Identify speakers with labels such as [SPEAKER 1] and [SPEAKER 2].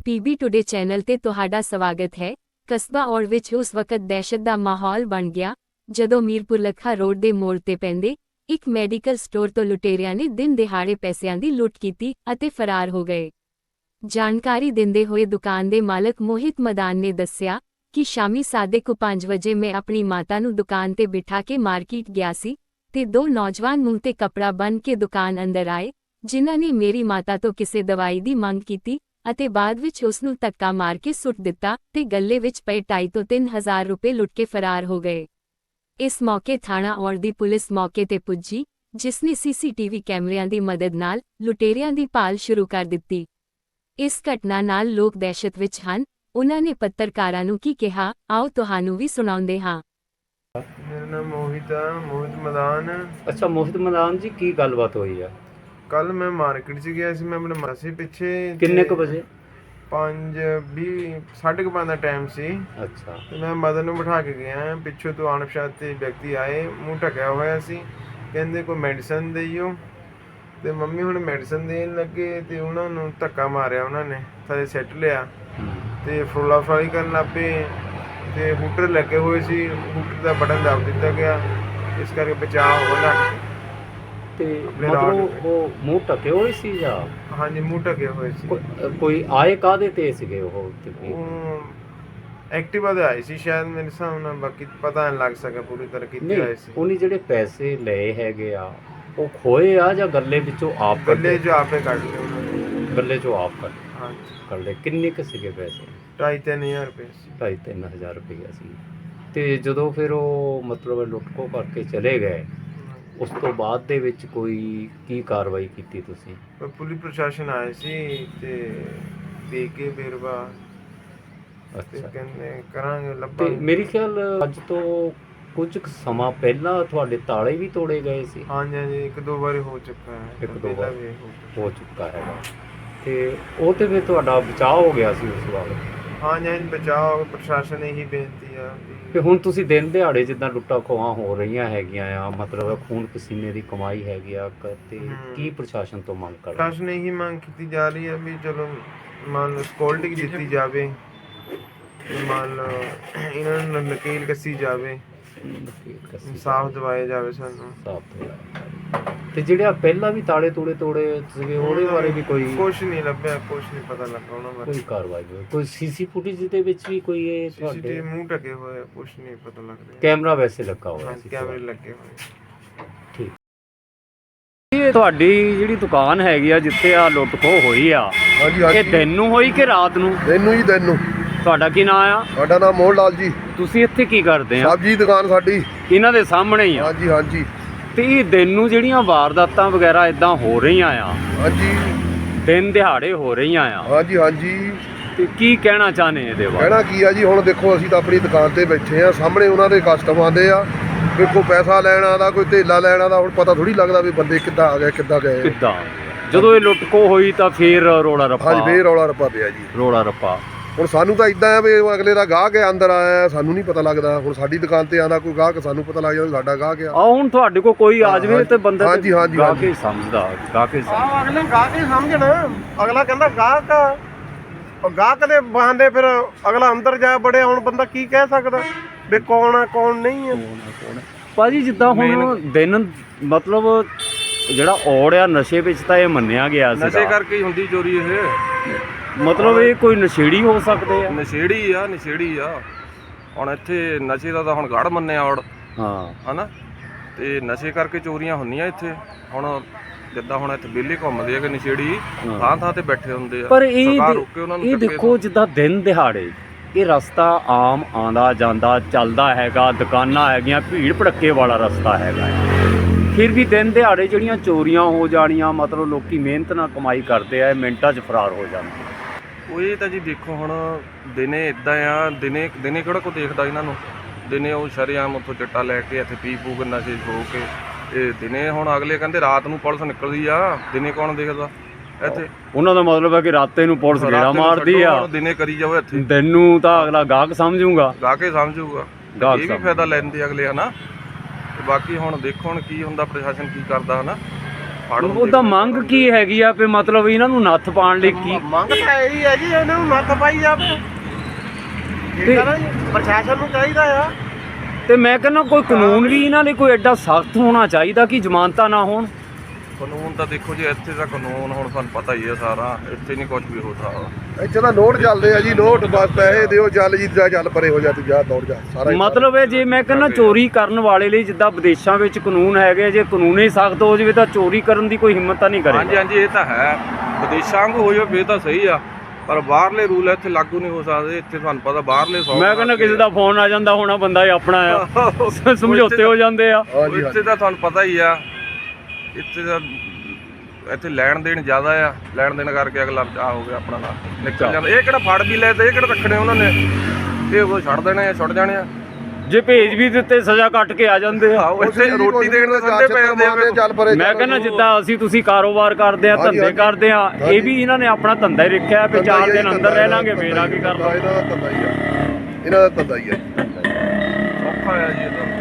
[SPEAKER 1] PB today channel ਤੇ ਤੁਹਾਡਾ ਸਵਾਗਤ ਹੈ। ਕਸਬਾ ਔੜ ਵਿੱਚ ਉਸ ਵਕਤ ਦਹਿਸ਼ਤ ਦਾ ਮਾਹੌਲ ਬਣ ਗਿਆ ਜਦੋਂ ਮੀਰਪੁਰ ਲੱਖਾ ਰੋਡ ਦੇ ਮੋੜ ਤੇ ਪੈਂਦੇ ਇੱਕ ਮੈਡੀਕਲ ਸਟੋਰ ਤੋਂ ਲੁਟੇਰਿਆਂ ਨੇ ਦਿਨ ਦਿਹਾੜੇ ਪੈਸਿਆਂ ਦੀ ਲੁੱਟ ਕੀਤੀ ਅਤੇ ਫਰਾਰ ਹੋ ਗਏ। ਜਾਣਕਾਰੀ ਦਿੰਦੇ ਹੋਏ ਦੁਕਾਨ ਦੇ ਮਾਲਕ ਮੋਹਿਤ ਮਦਾਨ ਨੇ ਦੱਸਿਆ ਕਿ ਸ਼ਾਮੀ 5:30 ਵਜੇ ਮੈਂ ਆਪਣੀ ਮਾਤਾ ਨੂੰ ਦੁਕਾਨ ਤੇ ਬਿਠਾ ਕੇ ਮਾਰਕੀਟ ਗਿਆ ਸੀ ਤੇ ਦੋ ਨੌਜਵਾਨ ਮੂੰਹ ਤੇ ਕੱਪੜਾ ਬੰਨ੍ਹ ਕੇ ਦੁਕਾਨ ਅੰਦਰ ਆਏ, ਜਿਨ੍ਹਾਂ ਨੇ ਮੇਰੀ ਮਾਤਾ ਤੋਂ ਕਿਸੇ ਦਵਾਈ ਦੀ ਮੰਗ ਕੀਤੀ ਅਤੇ ਬਾਅਦ ਵਿੱਚ ਉਸ ਨੂੰ ਧੱਕਾ ਮਾਰ ਕੇ ਸੁੱਟ ਦਿੱਤਾ ਤੇ ਗੱਲੇ ਵਿੱਚ ਪਏ 2,500 ਤੋਂ 3,000 ਰੁਪਏ ਲੁੱਟ ਕੇ ਫਰਾਰ ਹੋ ਗਏ। ਇਸ ਮੌਕੇ ਥਾਣਾ ਔੜ ਦੀ ਪੁਲਿਸ ਮੌਕੇ ਤੇ ਪੁੱਜੀ, ਜਿਸ ਨੇ ਸੀਸੀਟੀਵੀ ਕੈਮਰਿਆਂ ਦੀ ਮਦਦ ਨਾਲ ਲੁਟੇਰਿਆਂ ਦੀ ਭਾਲ ਸ਼ੁਰੂ ਕਰ ਦਿੱਤੀ। ਇਸ ਘਟਨਾ ਨਾਲ ਲੋਕ ਦਹਿਸ਼ਤ ਵਿੱਚ ਹਨ। ਉਨ੍ਹਾਂ ਨੇ ਪੱਤਰਕਾਰਾਂ ਨੂੰ ਕੀ ਕਿਹਾ, ਆਓ ਤੁਹਾਨੂੰ ਵੀ ਸੁਣਾਉਂਦੇ ਹਾਂ।
[SPEAKER 2] ਮੇਰਾ ਨਾਮ ਮੋਹਿਤ ਮਦਾਨ।
[SPEAKER 3] ਅੱਛਾ ਮੋਹਿਤ ਮਦਾਨ ਜੀ, ਕੀ ਗੱਲਬਾਤ ਹੋਈ ਆ?
[SPEAKER 2] ਕੱਲ ਮੈਂ ਮਾਰਕੀਟ 'ਚ ਗਿਆ ਸੀ, ਮੈਂ ਆਪਣੇ ਮਾਸੀ ਪਿੱਛੇ।
[SPEAKER 3] ਕਿੰਨੇ ਕੁ ਵਜੇ?
[SPEAKER 2] 5:20 5:30 ਦਾ ਟਾਈਮ ਸੀ।
[SPEAKER 3] ਅੱਛਾ।
[SPEAKER 2] ਤੇ ਮੈਂ ਮਦਨ ਨੂੰ ਬਿਠਾ ਕੇ ਗਿਆ। ਪਿੱਛੋਂ ਤੋਂ ਅਣਪਛਾਤੇ ਵਿਅਕਤੀ ਆਏ, ਮੂੰਹ ਢਕਿਆ ਹੋਇਆ ਸੀ, ਕਹਿੰਦੇ ਕੋਈ ਮੈਡੀਸਨ ਦੇਈਓ। ਤੇ ਮੰਮੀ ਹੁਣ ਮੈਡੀਸਨ ਦੇਣ ਲੱਗੇ ਤੇ ਉਹਨਾਂ ਨੂੰ ਧੱਕਾ ਮਾਰਿਆ, ਉਹਨਾਂ ਨੇ ਥੱਲੇ ਸਿੱਟ ਲਿਆ ਤੇ ਫਰੋਲਾ ਫਰਾਲੀ ਕਰਨ ਲੱਗ ਪਏ ਤੇ ਹੂਟਰ ਲੱਗੇ ਹੋਏ ਸੀ, ਹੂਟਰ ਦਾ ਬਟਨ ਦੱਬ ਦਿੱਤਾ ਗਿਆ, ਇਸ ਕਰਕੇ ਬਚਾਅ ਹੋ ਗਿਆ। ਤੇ
[SPEAKER 3] ਮਤਲਬ ਉਹ ਮੂੰਹ ਢਕੇ ਹੋਏ ਸੀ ਜਾਂ?
[SPEAKER 2] ਹਾਂਜੀ, ਮੂੰਹ ਢਕੇ ਹੋਏ ਸੀ।
[SPEAKER 3] ਕੋਈ ਆਏ ਕਾਹਦੇ ਤੇ ਸੀਗੇ ਉਹ?
[SPEAKER 2] ਐਕਟਿਵਾ ਦੇ ਆਏ ਸੀ ਸ਼ਾਇਦ, ਮੇਰੇ ਹਿਸਾਬ ਨਾਲ, ਬਾਕੀ ਪਤਾ ਨਹੀਂ ਲੱਗ ਸਕਿਆ ਪੂਰੀ ਤਰ੍ਹਾਂ ਕਿੱਥੇ ਆਏ ਸੀ।
[SPEAKER 3] ਉਹਨੇ ਜਿਹੜੇ ਪੈਸੇ ਲਏ ਹੈਗੇ ਆ ਉਹ ਖੋਏ ਆ ਜਾਂ ਗੱਲੇ ਵਿੱਚੋਂ ਆਪ?
[SPEAKER 2] ਗੱਲੇ 'ਚੋਂ ਆਪੇ ਕੱਢ ਲਏ ਉਹਨਾਂ ਨੇ।
[SPEAKER 3] ਗੱਲੇ 'ਚੋਂ ਆਪ
[SPEAKER 2] ਹਾਂਜੀ
[SPEAKER 3] ਕੱਢ ਲਏ। ਕਿੰਨੇ ਕੁ ਸੀਗੇ ਪੈਸੇ?
[SPEAKER 2] 2,500-3,000 ਰੁਪਏ ਸੀ।
[SPEAKER 3] 2,500-3,000 ਰੁਪਏ ਸੀ। ਤੇ ਜਦੋਂ ਫਿਰ ਉਹ ਮਤਲਬ ਲੁੱਟਖੋ ਕਰਕੇ ਚਲੇ ਗਏ, ਉਸ ਤੋਂ ਬਾਅਦ ਦੇ ਵਿੱਚ ਕੋਈ ਕੀ ਕਾਰਵਾਈ ਕੀਤੀ ਤੁਸੀਂ?
[SPEAKER 2] ਪੁਲਿਸ ਪ੍ਰਸ਼ਾਸਨ ਆਏ ਸੀ ਤੇ ਦੇ ਕੇ ਵੇਰਵਾ।
[SPEAKER 3] ਅੱਛਾ,
[SPEAKER 2] ਕਹਿੰਦੇ ਕਰਾਂਗੇ
[SPEAKER 3] ਤੇ
[SPEAKER 2] ਲੱਭਾਂਗੇ।
[SPEAKER 3] ਮੇਰੇ ਖਿਆਲ ਅੱਜ ਤੋਂ ਕੁਝ ਸਮਾਂ ਪਹਿਲਾਂ ਤੁਹਾਡੇ ਤਾਲੇ ਵੀ ਤੋੜੇ ਗਏ ਸੀ।
[SPEAKER 2] ਹਾਂਜੀ, ਇੱਕ ਦੋ ਵਾਰੀ ਹੋ ਚੁੱਕਾ ਹੈ।
[SPEAKER 3] ਇੱਕ ਦੋ ਵਾਰ
[SPEAKER 2] ਵੀ
[SPEAKER 3] ਹੋ ਚੁੱਕਾ ਹੈਗਾ। ਤੇ ਉਹ ਤੇ ਫਿਰ ਤੁਹਾਡਾ ਬਚਾਅ ਹੋ ਗਿਆ ਸੀ ਉਸ ਵਾਰ?
[SPEAKER 2] ਹਾਂਜੀ, ਬਚਾਓ। ਪ੍ਰਸ਼ਾਸਨ ਇਹੀ ਬੇਨਤੀ ਆ।
[SPEAKER 3] ਤੇ ਹੁਣ ਤੁਸੀਂ ਦਿਨ ਦਿਹਾੜੇ ਜਿੱਦਾਂ ਲੁੱਟਾਂ ਖੋਹਾਂ ਹੋ ਰਹੀਆਂ ਹੈਗੀਆਂ ਆ, ਮਤਲਬ ਖੂਨ ਪਸੀਨੇ ਦੀ ਕਮਾਈ ਹੈਗੀ ਆ, ਤੇ ਕੀ ਪ੍ਰਸ਼ਾਸਨ ਤੋਂ ਮੰਗ ਕਰਦੇ?
[SPEAKER 2] ਪ੍ਰਸ਼ਾਸਨ ਇਹੀ ਮੰਗ ਕੀਤੀ ਜਾ ਰਹੀ ਹੈ ਵੀ ਚਲੋ ਮੰਨ ਲਓ ਸਿਕਿਉਰਿਟੀ ਦਿੱਤੀ ਜਾਵੇ, ਮੰਨ ਲਓ ਇਹਨਾਂ ਨੂੰ ਨਕੀਲ ਕੱਸੀ ਜਾਵੇ, ਇਨਸਾਫ ਦਿਵਾਇਆ ਜਾਵੇ ਸਾਨੂੰ।
[SPEAKER 3] ਤੇ ਜਿਹੜਾ ਪਹਿਲਾਂ ਵੀ ਤਾਲੇ ਤੋੜੇ ਸੀਗੇ ਉਹਦੇ ਬਾਰੇ ਵੀ ਕੋਈ
[SPEAKER 2] ਕੁਛ ਨਹੀਂ ਲੱਭਿਆ, ਕੁਛ ਨਹੀਂ ਪਤਾ ਲੱਗਾ ਉਹਨਾਂ ਬਾਰੇ।
[SPEAKER 3] ਕੋਈ ਕਾਰਵਾਈ ਹੋਈ? ਕੋਈ ਸੀਸੀ ਫੁਟੇਜ ਦੇ ਵਿੱਚ ਵੀ ਕੋਈ ਇਹ
[SPEAKER 2] ਤੁਹਾਡੇ ਮੂੰਹ ਢਕੇ ਹੋਏ, ਕੁਛ ਨਹੀਂ ਪਤਾ ਲੱਗ ਰਿਹਾ।
[SPEAKER 3] ਕੈਮਰਾ ਵੈਸੇ ਲੱਗਾ ਹੋਇਆ ਸੀ?
[SPEAKER 2] ਕੈਮਰੇ ਲੱਗੇ ਹੋਏ।
[SPEAKER 3] ਠੀਕ। ਇਹ ਤੁਹਾਡੀ ਜਿਹੜੀ ਦੁਕਾਨ ਹੈਗੀ ਆ ਜਿੱਥੇ ਆ ਲੁੱਟ ਖੋਹ ਹੋਈ ਆ, ਇਹ ਦਿਨ ਨੂੰ ਹੋਈ ਕਿ ਰਾਤ ਨੂੰ?
[SPEAKER 4] ਦਿਨ ਨੂੰ ਜੀ, ਦਿਨ ਨੂੰ।
[SPEAKER 3] ਤੁਹਾਡਾ ਕੀ ਨਾਮ ਆ?
[SPEAKER 4] ਸਾਡਾ ਨਾਮ ਮੋਹਨ ਲਾਲ ਜੀ।
[SPEAKER 3] ਤੁਸੀਂ ਇੱਥੇ ਕੀ ਕਰਦੇ ਆ?
[SPEAKER 4] ਸਬਜ਼ੀ ਦੁਕਾਨ ਸਾਡੀ
[SPEAKER 3] ਇਹਨਾਂ ਦੇ ਸਾਹਮਣੇ ਹੀ ਆ?
[SPEAKER 4] ਹਾਂਜੀ ਹਾਂਜੀ।
[SPEAKER 3] ਤੇ ਇਹ ਦਿਨ ਨੂੰ ਜਿਹੜੀਆਂ ਵਾਰਦਾਤਾਂ ਵਗੈਰਾ ਇਦਾਂ ਹੋ ਰਹੀਆਂ ਆ,
[SPEAKER 4] ਹਾਂਜੀ,
[SPEAKER 3] ਦਿਨ ਦਿਹਾੜੇ ਹੋ ਰਹੀਆਂ ਆ,
[SPEAKER 4] ਹਾਂਜੀ ਹਾਂਜੀ।
[SPEAKER 3] ਤੇ ਕੀ ਕਹਿਣਾ ਚਾਹਨੇ ਇਹਦੇ ਬਾਰੇ?
[SPEAKER 4] ਕਹਿਣਾ ਕੀ ਆ ਜੀ, ਹੁਣ ਦੇਖੋ ਅਸੀਂ ਤਾਂ ਆਪਣੀ ਦੁਕਾਨ ਤੇ ਬੈਠੇ ਆ, ਸਾਹਮਣੇ ਉਹਨਾਂ ਦੇ ਕਸਟਮਰ ਆਉਂਦੇ ਆ, ਕੋਈ ਪੈਸਾ ਲੈਣ ਆਉਂਦਾ, ਕੋਈ ਧੇਲਾ ਲੈਣ ਆਉਂਦਾ। ਹੁਣ ਪਤਾ ਥੋੜੀ ਲੱਗਦਾ ਵੀ ਬੰਦੇ ਕਿੱਦਾਂ ਆ ਗਏ ਕਿੱਦਾਂ ਗਏ।
[SPEAKER 3] ਕਿੱਦਾਂ ਜਦੋਂ ਇਹ ਲੁੱਟ ਖੋਹ ਹੋਈ ਤਾਂ ਫੇਰ ਰੋਲਾ ਰੱਪਾ?
[SPEAKER 4] ਹਾਂਜੀ, ਫੇਰ ਰੌਲਾ ਰੱਪਾ ਪਿਆ ਜੀ,
[SPEAKER 3] ਰੋਲਾ ਰੱਪਾ।
[SPEAKER 4] ਹੁਣ ਸਾਨੂੰ ਤਾਂ ਇਦਾਂ ਆ ਵੀ ਅਗਲੇ ਦਾ ਗਾਹਕ ਹੈ ਅੰਦਰ ਆਇਆ, ਸਾਨੂੰ ਨਹੀਂ ਪਤਾ ਲੱਗਦਾ। ਹੁਣ ਸਾਡੀ ਦੁਕਾਨ ਤੇ ਆਉਂਦਾ ਕੋਈ ਗਾਹਕ, ਸਾਨੂੰ ਪਤਾ ਲੱਗ ਜਾਂਦਾ ਸਾਡਾ ਗਾਹਕ ਆ।
[SPEAKER 3] ਹੁਣ ਤੁਹਾਡੇ ਕੋਲ ਕੋਈ ਆ ਜਾਵੇ ਤੇ ਬੰਦਾ
[SPEAKER 4] ਹਾਂਜੀ ਹਾਂਜੀ
[SPEAKER 3] ਗਾਹਕ ਹੀ ਸਮਝਦਾ, ਗਾਹਕ ਹੀ ਸਮਝਦਾ।
[SPEAKER 5] ਅਗਲੇ ਗਾਹਕ ਹੀ ਸਮਝਣ। ਅਗਲਾ ਕਹਿੰਦਾ ਗਾਹਕ ਆ, ਗਾਹਕ ਦੇ ਬਹਾਨੇ ਫਿਰ ਅਗਲਾ ਅੰਦਰ ਜਾ ਬੜਿਆ। ਹੁਣ ਬੰਦਾ ਕੀ ਕਹਿ ਸਕਦਾ ਵੀ ਕੌਣ ਆ ਕੌਣ ਨਹੀਂ ਆ?
[SPEAKER 3] ਭਾਜੀ ਜਿੱਦਾਂ ਹੁਣ ਦਿਨ ਮਤਲਬ ਜਿਹੜਾ ਔੜ ਆ ਨਸ਼ੇ ਵਿੱਚ ਤਾਂ ਇਹ ਮੰਨਿਆ ਗਿਆ ਸੀ,
[SPEAKER 5] ਨਸ਼ੇ ਕਰਕੇ ਹੀ ਹੁੰਦੀ ਚੋਰੀ ਇਹ।
[SPEAKER 3] ਮਤਲਬ ਇਹ ਕੋਈ ਨਸ਼ੇੜੀ ਹੋ ਸਕਦੇ ਆ?
[SPEAKER 5] ਨਸ਼ੇੜੀ ਆ। ਹੁਣ ਇੱਥੇ ਨਸ਼ੇ ਦਾ ਤਾਂ ਹੁਣ ਗੜ ਮੰਨਿਆ ਔੜ,
[SPEAKER 3] ਹਾਂ
[SPEAKER 5] ਹਨਾ। ਤੇ ਨਸ਼ੇ ਕਰਕੇ ਚੋਰੀਆਂ ਹੁੰਦੀਆਂ ਇੱਥੇ। ਹੁਣ ਜਿੱਦਾਂ ਹੁਣ ਇੱਥੇ ਵਿਹਲੇ ਘੁੰਮਦੇ ਆ ਕਿ ਨਸ਼ੇੜੀ ਥਾਂ ਤੇ ਬੈਠੇ ਹੁੰਦੇ ਆ।
[SPEAKER 3] ਪਰ ਇਹ
[SPEAKER 5] ਉਹਨਾਂ ਨੂੰ
[SPEAKER 3] ਇਹ ਦੇਖੋ ਜਿੱਦਾਂ ਦਿਨ ਦਿਹਾੜੇ ਇਹ ਰਸਤਾ ਆਮ ਆਉਂਦਾ ਜਾਂਦਾ ਚੱਲਦਾ ਹੈਗਾ, ਦੁਕਾਨਾਂ ਹੈਗੀਆਂ, ਭੀੜ ਭੜੱਕੇ ਵਾਲਾ ਰਸਤਾ ਹੈਗਾ। ਫਿਰ ਵੀ ਦਿਨ ਦਿਹਾੜੇ ਜਿਹੜੀਆਂ ਚੋਰੀਆਂ ਹੋ ਜਾਣੀਆਂ, ਮਤਲਬ ਲੋਕੀ ਮਿਹਨਤ ਨਾਲ ਕਮਾਈ ਕਰਦੇ ਆ, ਮਿੰਟਾਂ 'ਚ ਫਰਾਰ ਹੋ ਜਾਂਦੇ।
[SPEAKER 5] ਉਹ ਇਹ ਤਾਂ ਜੀ ਦੇਖੋ ਹੁਣ ਦਿਨੇ ਇੱਦਾਂ ਆ, ਦਿਨੇ ਕਿਹੜਾ ਕੋਈ ਦੇਖਦਾ ਇਹਨਾਂ ਨੂੰ? ਦਿਨੇ ਉਹ ਸ਼ਰੇਆਮ ਉੱਥੋਂ ਚਿੱਟਾ ਲੈ ਕੇ ਇੱਥੇ ਪੀ ਪੂ ਕੇ ਨਸ਼ੇ ਹੋ ਕੇ ਇਹ ਦਿਨੇ। ਹੁਣ ਅਗਲੇ ਕਹਿੰਦੇ ਰਾਤ ਨੂੰ ਪੁਲਿਸ ਨਿਕਲਦੀ ਆ, ਦਿਨੇ ਕੌਣ ਦੇਖਦਾ ਇੱਥੇ? ਉਹਨਾਂ
[SPEAKER 3] ਦਾ ਮਤਲਬ ਹੈ ਕਿ ਰਾਤੇ ਨੂੰ ਪੁਲਿਸ ਗੇੜਾ ਮਾਰਦੀ ਆ,
[SPEAKER 5] ਦਿਨੇ ਕਰੀ ਜਾਓ ਇੱਥੇ।
[SPEAKER 3] ਦਿਨ ਨੂੰ ਤਾਂ ਅਗਲਾ ਗਾਹਕ ਸਮਝੂਗਾ,
[SPEAKER 5] ਗਾਹਕ ਹੀ ਸਮਝੂਗਾ। ਇਹ ਵੀ ਫਾਇਦਾ ਲੈਂਦੇ ਅਗਲੇ, ਹਨਾ। ਬਾਕੀ ਹੁਣ ਦੇਖੋ ਹੁਣ ਕੀ ਹੁੰਦਾ, ਪ੍ਰਸ਼ਾਸਨ ਕੀ ਕਰਦਾ, ਹਨਾ। ਫੜ
[SPEAKER 3] ਉਹਦਾ ਮੰਗ ਕੀ ਹੈਗੀ ਆ ਵੀ ਮਤਲਬ ਇਹਨਾਂ ਨੂੰ ਨੱਥ ਪਾਉਣ ਲਈ ਕੀ
[SPEAKER 6] ਮੰਗ ਤਾਂ ਇਹੀ ਹੈ ਜੀ ਇਹਨਾਂ ਨੂੰ ਨੱਥ ਪਾਈ ਜਾਵੇ ਠੀਕ ਹੈ ਨਾ ਜੀ ਪ੍ਰਸ਼ਾਸਨ ਨੂੰ ਚਾਹੀਦਾ ਆ
[SPEAKER 3] ਤੇ ਮੈਂ ਕਹਿੰਦਾ ਕੋਈ ਕਾਨੂੰਨ ਵੀ ਇਹਨਾਂ ਲਈ ਕੋਈ ਐਡਾ ਸਖਤ ਹੋਣਾ ਚਾਹੀਦਾ ਕਿ ਜ਼ਮਾਨਤਾਂ ਨਾ ਹੋਣ।
[SPEAKER 5] ਕਾਨੂੰਨ ਤਾਂ ਦੇਖੋ ਜੀ ਇੱਥੇ ਦਾ ਕਾਨੂੰਨ ਹੁਣ ਤੁਹਾਨੂੰ ਪਤਾ ਹੀ ਹੈ ਸਾਰਾ, ਇੱਥੇ ਨਹੀਂ ਕੁਝ ਵੀ ਹੋ ਸਕਦਾ।
[SPEAKER 4] ਇੱਥੇ ਤਾਂ ਨੋਟ ਚੱਲਦੇ ਆ ਜੀ, ਨੋਟ ਬਸ ਪੈਸੇ ਦਿਓ ਚੱਲ ਜੀ ਜਾ ਚੱਲ ਪਰੇ ਹੋ ਜਾ ਤੂੰ ਜਾ ਦੌੜ ਜਾ ਸਾਰਾ ਹੀ
[SPEAKER 3] ਮਤਲਬ ਇਹ ਜੇ ਮੈਂ ਕਹਿੰਦਾ ਚੋਰੀ ਕਰਨ ਵਾਲੇ ਲਈ ਜਿੱਦਾਂ ਵਿਦੇਸ਼ਾਂ ਵਿੱਚ ਕਾਨੂੰਨ ਹੈਗੇ, ਜੇ ਕਾਨੂੰਨ ਹੀ ਸਖਤ ਹੋ ਜਾਵੇ ਤਾਂ ਚੋਰੀ ਕਰਨ ਦੀ ਕੋਈ ਹਿੰਮਤ ਤਾਂ ਨਹੀਂ
[SPEAKER 5] ਹਾਂਜੀ
[SPEAKER 3] ਕਰੇਗਾ।
[SPEAKER 5] ਹਾਂਜੀ ਇਹ ਤਾਂ ਹੈ, ਵਿਦੇਸ਼ਾਂ ਵਾਂਗੂ ਹੋ ਜਾਵੇ ਤਾਂ ਸਹੀ ਆ, ਪਰ ਬਾਹਰਲੇ ਰੂਲ ਇੱਥੇ ਲਾਗੂ ਨਹੀਂ ਹੋ ਸਕਦੇ। ਇੱਥੇ ਤੁਹਾਨੂੰ ਪਤਾ ਬਾਹਰਲੇ
[SPEAKER 3] ਮੈਂ ਕਹਿੰਦਾ ਕਿਸੇ ਦਾ ਫੋਨ ਆ ਜਾਂਦਾ ਹੋਣਾ, ਬੰਦਾ ਹੀ ਆਪਣਾ ਆ ਸਮਝੌਤੇ ਹੋ ਜਾਂਦੇ ਆ।
[SPEAKER 4] ਹਾਂਜੀ
[SPEAKER 5] ਇੱਥੇ ਤਾਂ ਤੁਹਾਨੂੰ ਪਤਾ ਹੀ ਆ, ਇੱਥੇ ਦਾ ਇੱਥੇ ਲੈਣ ਦੇਣ ਜ਼ਿਆਦਾ ਆ, ਲੈਣ ਦੇਣ ਕਰਕੇ ਅਗਲਾ ਆ ਹੋ ਗਿਆ ਆਪਣਾ ਨਾਲ ਨਿਕਲ ਜਾਂਦਾ। ਇਹ ਕਿਹੜਾ ਫੜ ਵੀ ਲਏ ਤੇ ਇਹ ਕਿਹੜਾ ਰੱਖਣੇ ਉਹਨਾਂ ਨੇ, ਇਹ ਉਹ ਛੱਡ ਦੇਣੇ ਆ, ਛੁੱਟ ਜਾਣੇ ਆ।
[SPEAKER 3] ਜੇ ਭੇਜ ਵੀ ਦਿੱਤੇ ਸਜ਼ਾ ਕੱਟ ਕੇ ਆ ਜਾਂਦੇ ਆ।
[SPEAKER 5] ਇੱਥੇ ਰੋਟੀ ਦੇਣ ਦੇ ਸੰਦੇ ਪੈ ਜਾਂਦੇ ਆ।
[SPEAKER 4] ਚੱਲ ਪਰੇ
[SPEAKER 3] ਮੈਂ ਕਹਿੰਦਾ ਜਿੱਦਾਂ ਤੁਸੀਂ ਕਾਰੋਬਾਰ ਕਰਦੇ ਆ,
[SPEAKER 4] ਹਾਂਜੀ,
[SPEAKER 3] ਧੰਦੇ
[SPEAKER 4] ਹਾਂਜੀ।
[SPEAKER 3] ਕਰਦੇ ਆ, ਇਹ ਵੀ ਇਹਨਾਂ ਨੇ ਆਪਣਾ ਧੰਦਾ ਹੀ ਰੱਖਿਆ ਵੀ 4 ਦਿਨ ਅੰਦਰ ਰਹਿ ਲਾਂਗੇ, ਫੇਰ ਆ ਕੇ ਕਰ
[SPEAKER 4] ਇਹਨਾਂ ਦਾ ਧੰਦਾ ਹੀ ਆ, ਇਹਨਾਂ ਦਾ ਧੰਦਾ ਹੀ ਆ।
[SPEAKER 5] ਔਖਾ ਆ ਜੀ ਇਹ ਤਾਂ।